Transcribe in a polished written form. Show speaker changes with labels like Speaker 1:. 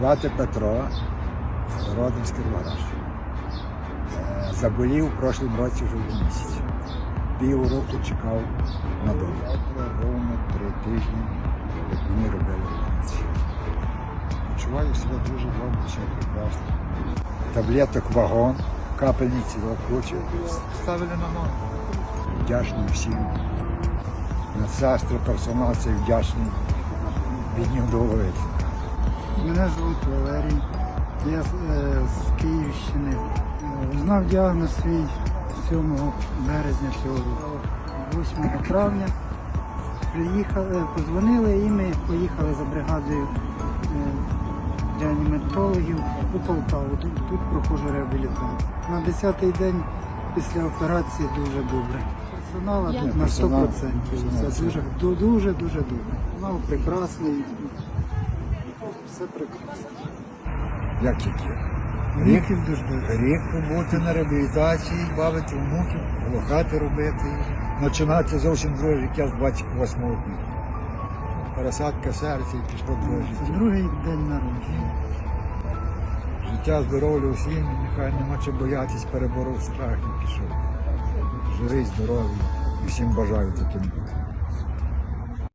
Speaker 1: Звати Петро, родом з Кіровоградщини. Заболів в прошлому році вже в місяці. Півроку чекав на долю. Ровно 3 тижні, як мені робили операцію. Почуваю себе дуже добре, все прекрасно. Таблеток вагон, капельниці куча. Ставили на ноги. Вдячний всім. Медсестри, персонал цей вдячний. Від них доводиться.
Speaker 2: Мене звуть Валерій, я з Київщини. Знав діагноз свій 7 березня цього року. 8 травня приїхали, позвонили і ми поїхали за бригадою реаніматологів у Полтаву. Тут проходжу реабілітацію. На 10-й день після операції дуже добре. Персонал тут на 100%. Все дуже добре. Персонал прекрасний. Все прекрасно.
Speaker 1: Як тільки?
Speaker 2: Внуків дуже.
Speaker 1: Рік побути на реабілітації, бавити внуків, лохати робити. Починається зовсім друге життя з 28 квітня. Пересадка серця і пішло друге
Speaker 2: Це
Speaker 1: життя.
Speaker 2: другий день народження.
Speaker 1: Життя, здоров'я усім, нехай нема чого боятись, переборов страх і пішов. Живий, здоровий і всім бажаю таким бути.